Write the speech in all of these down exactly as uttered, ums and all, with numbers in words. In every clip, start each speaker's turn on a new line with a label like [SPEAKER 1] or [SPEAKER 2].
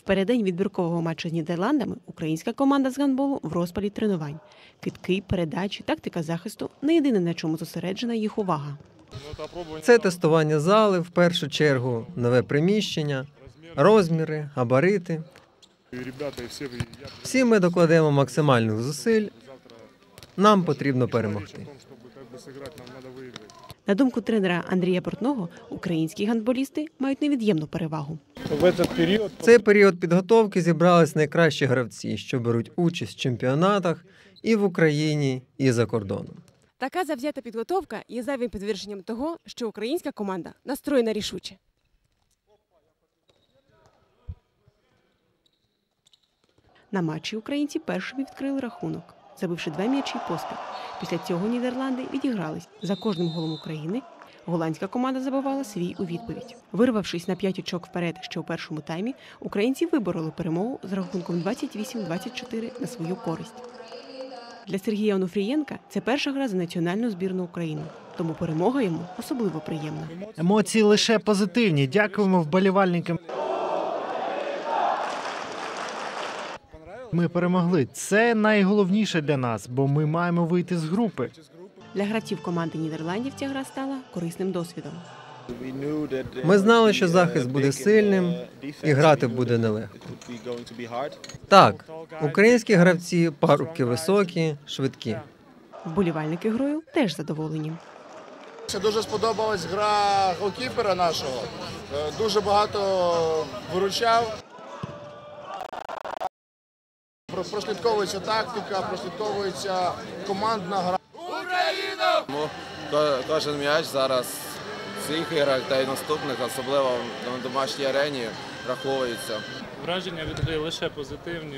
[SPEAKER 1] В переддень відбіркового матчу з Нідерландами українська команда з гандболу в розпалі тренувань. Кидки, передачі, тактика захисту – не єдине, на чому зосереджена їх увага.
[SPEAKER 2] Це тестування зали, в першу чергу, нове приміщення, розміри, габарити. Всі ми докладемо максимальних зусиль. Нам потрібно перемогти.
[SPEAKER 1] На думку тренера Андрія Портного, українські гандболісти мають невід'ємну перевагу.
[SPEAKER 2] В цей період підготовки зібрались найкращі гравці, що беруть участь в чемпіонатах і в Україні, і за кордоном.
[SPEAKER 1] Така завзята підготовка є зайвим підтвердженням того, що українська команда настроєна рішуче. На матчі українці першими відкрили рахунок, забивши два м'ячі поспіль. Після цього Нідерланди відігрались. За кожним голом України голландська команда забивала свій у відповідь. Вирвавшись на п'ять очок вперед ще у першому таймі, українці вибороли перемогу з рахунком двадцять вісім - двадцять чотири на свою користь. Для Сергія Онуфрієнка це перша гра за національну збірну України, тому перемога йому особливо приємна.
[SPEAKER 3] Емоції лише позитивні. Дякуємо вболівальникам. Ми перемогли. Це найголовніше для нас, бо ми маємо вийти з групи.
[SPEAKER 1] Для гравців команди Нідерландів ця гра стала корисним досвідом.
[SPEAKER 2] Ми знали, що захист буде сильним і грати буде нелегко. Так, українські гравці – парубки високі, швидкі.
[SPEAKER 1] Вболівальники грою теж задоволені.
[SPEAKER 4] Ще дуже сподобалась гра голкіпера нашого. Дуже багато виручав. Прослідковується тактика, прослідковується командна гра.
[SPEAKER 5] Україна! Кожен м'яч зараз в цих іграх та й наступних, особливо на домашній арені, враховується.
[SPEAKER 6] Враження від гри лише позитивні.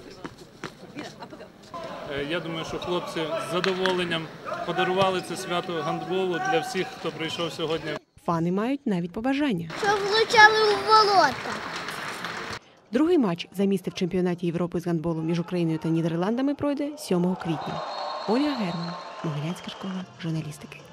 [SPEAKER 6] Я думаю, що хлопці з задоволенням подарували це свято гандболу для всіх, хто прийшов сьогодні.
[SPEAKER 1] Фани мають навіть побажання.
[SPEAKER 7] Щоб влучали у ворота.
[SPEAKER 1] Другий матч за місце в чемпіонаті Європи з гандболу між Україною та Нідерландами пройде сьомого квітня. Ольга Герман, Могилянська школа журналістики.